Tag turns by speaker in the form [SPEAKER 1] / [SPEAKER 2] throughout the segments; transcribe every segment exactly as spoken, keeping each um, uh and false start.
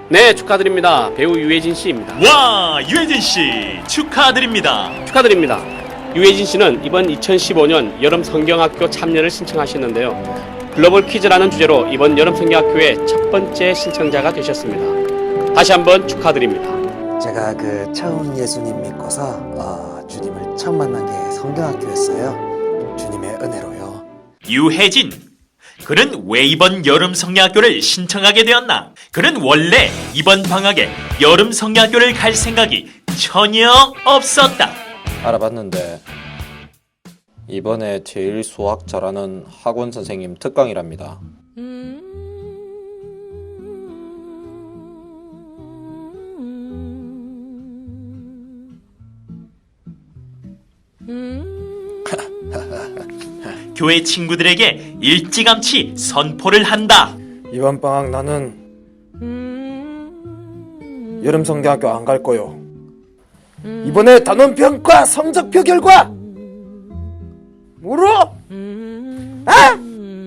[SPEAKER 1] 네, 축하드립니다. 배우 유해진 씨입니다.
[SPEAKER 2] 와, 유해진 씨 축하드립니다.
[SPEAKER 1] 축하드립니다. 유해진 씨는 이번 이천십오 년 여름 성경학교 참여를 신청하셨는데요. 글로벌 퀴즈라는 주제로 이번 여름 성경학교의 첫 번째 신청자가 되셨습니다. 다시 한번 축하드립니다.
[SPEAKER 3] 제가 그 처음 예수님 믿고서 어, 주님을 처음 만난 게 성경학교였어요. 주님의 은혜로요.
[SPEAKER 2] 유해진, 그는 왜 이번 여름 성경학교를 신청하게 되었나? 그는 원래 이번 방학에 여름 성경학교를 갈 생각이 전혀 없었다.
[SPEAKER 4] 알아봤는데 이번에 제일 수학 잘하는 학원 선생님 특강이랍니다.
[SPEAKER 2] 교회 친구들에게 일찌감치 선포를 한다.
[SPEAKER 3] 이번 방학 나는 여름 성경학교 안 갈 거요. 이번에 단원평가 성적표 결과 뭐로? 아?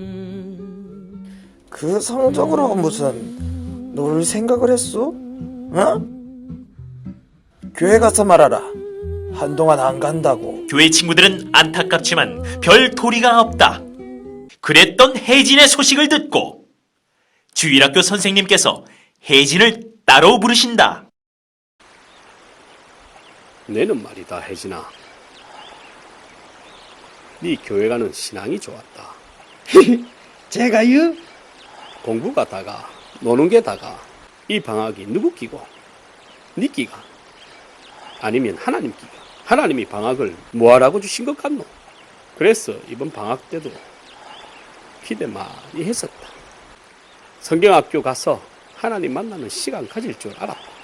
[SPEAKER 3] 그 성적으로 무슨 놀 생각을 했어? 어? 교회 가서 말하라. 한동안 안 간다고.
[SPEAKER 2] 교회 친구들은 안타깝지만 별 도리가 없다. 그랬던 혜진의 소식을 듣고 주일학교 선생님께서 혜진을 따로 부르신다.
[SPEAKER 1] 너는 말이다, 혜진아. 네 교회 가는 신앙이 좋았다.
[SPEAKER 3] 제가요?
[SPEAKER 1] 공부가 다가 노는 게 다가 이 방학이 누구 끼고? 네 끼가? 아니면 하나님 끼가? 하나님이 방학을 뭐하라고 주신 것 같노? 그래서 이번 방학 때도 기대 많이 했었다. 성경학교 가서 하나님 만나는 시간 가질 줄 알았다.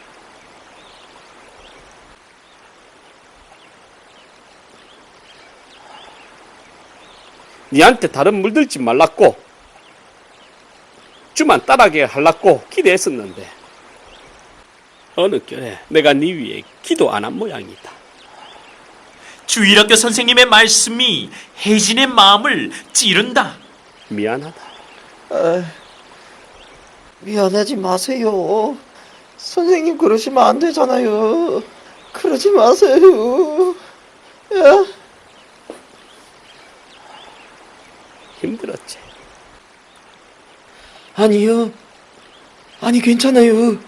[SPEAKER 1] 니한테 다른 물들지 말랐고 주만 따라게 하려고 기대했었는데 어느 결에 내가 네 위에 기도 안 한 모양이다.
[SPEAKER 2] 주일학교 선생님의 말씀이 혜진의 마음을 찌른다.
[SPEAKER 1] 미안하다.
[SPEAKER 3] 아, 미안하지 마세요. 선생님 그러시면 안 되잖아요. 그러지 마세요. 야.
[SPEAKER 1] 힘들었지.
[SPEAKER 3] 아니요. 아니 괜찮아요.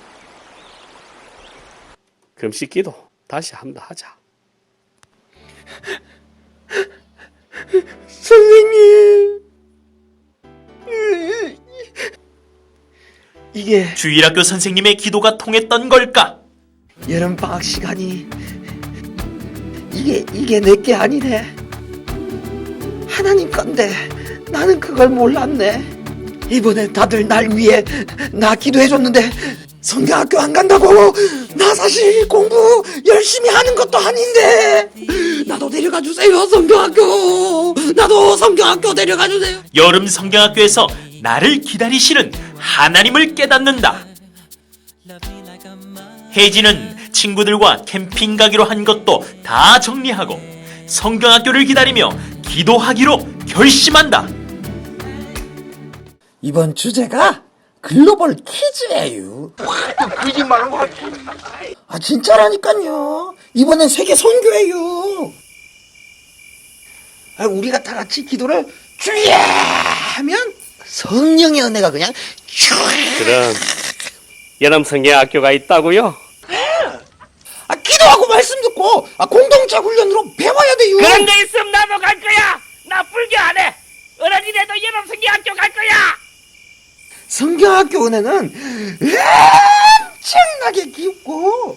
[SPEAKER 1] 금식 기도 다시 한다 하자.
[SPEAKER 3] 선생님. 이게
[SPEAKER 2] 주일학교 선생님의 기도가 통했던 걸까?
[SPEAKER 3] 여름 방학 시간이 이게 이게 내게 아니네. 하나님 건데 나는 그걸 몰랐네. 이번에 다들 날 위해 나 기도해줬는데 성경학교 안 간다고. 나 사실 공부 열심히 하는 것도 아닌데 나도 데려가 주세요. 성경학교 나도 성경학교 데려가 주세요.
[SPEAKER 2] 여름 성경학교에서 나를 기다리시는 하나님을 깨닫는다. 혜진은 친구들과 캠핑 가기로 한 것도 다 정리하고 성경학교를 기다리며 기도하기로 결심한다.
[SPEAKER 3] 이번 주제가 글로벌 퀴즈예요.
[SPEAKER 5] 거짓말하는 거
[SPEAKER 3] 아 진짜라니까요. 이번엔 세계 선교예요. 아, 우리가 다 같이 기도를 주야 하면 성령의 은혜가 그냥 쭉.
[SPEAKER 1] 그럼 여름 성경학교가 있다고요?
[SPEAKER 3] 아, 기도하고 말씀 듣고 아, 공동체 훈련으로 배워야 돼요.
[SPEAKER 5] 그런 데 있으면 나도 갈 거야. 나 불교 안 해. 어른이라도 여름 성경학교 갈 거야.
[SPEAKER 3] 성경학교 은혜는 엄청나게 깊고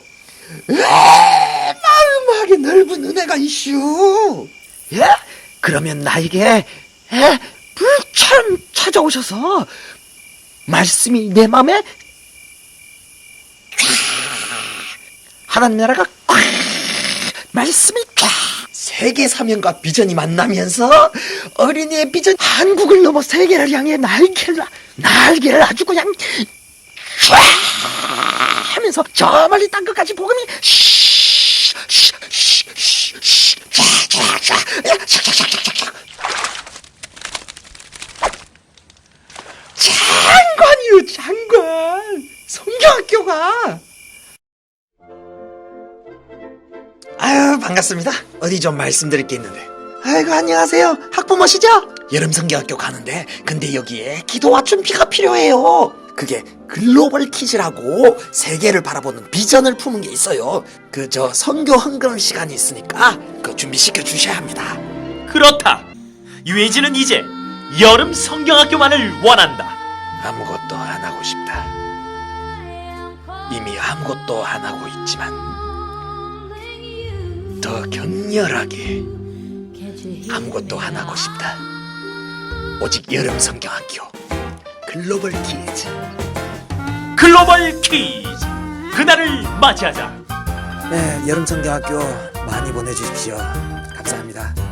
[SPEAKER 3] 마음하게 넓은 은혜가 이슈. 예? 그러면 나에게 예? 불처럼 찾아오셔서 말씀이 내 마음에 하나님 나라가 꽉 말씀이 쫙 세계 사명과 비전이 만나면서 어린이의 비전 한국을 넘어 세계를 향해 날개를 날개를 아주 그냥 쫙 하면서 저 멀리 땅 끝까지 복음이 장관이요 장관. 성경학교가 반갑습니다. 어디 좀 말씀드릴 게 있는데. 아이고, 안녕하세요. 학부모시죠? 여름성경학교 가는데 근데 여기에 기도와 준비가 필요해요. 그게 글로벌 퀴즈라고 세계를 바라보는 비전을 품은 게 있어요. 그 저 선교 헌금 시간이 있으니까 그 준비시켜 주셔야 합니다.
[SPEAKER 2] 그렇다. 유해진은 이제 여름 성경학교만을 원한다.
[SPEAKER 3] 아무것도 안 하고 싶다. 이미 아무것도 안 하고 있지만 더 격렬하게 아무것도 안 하고 싶다. 오직 여름 성경학교 글로벌 퀴즈.
[SPEAKER 2] 글로벌 퀴즈. 그날을 맞이하자.
[SPEAKER 3] 네, 여름 성경학교 많이 보내주십시오. 감사합니다.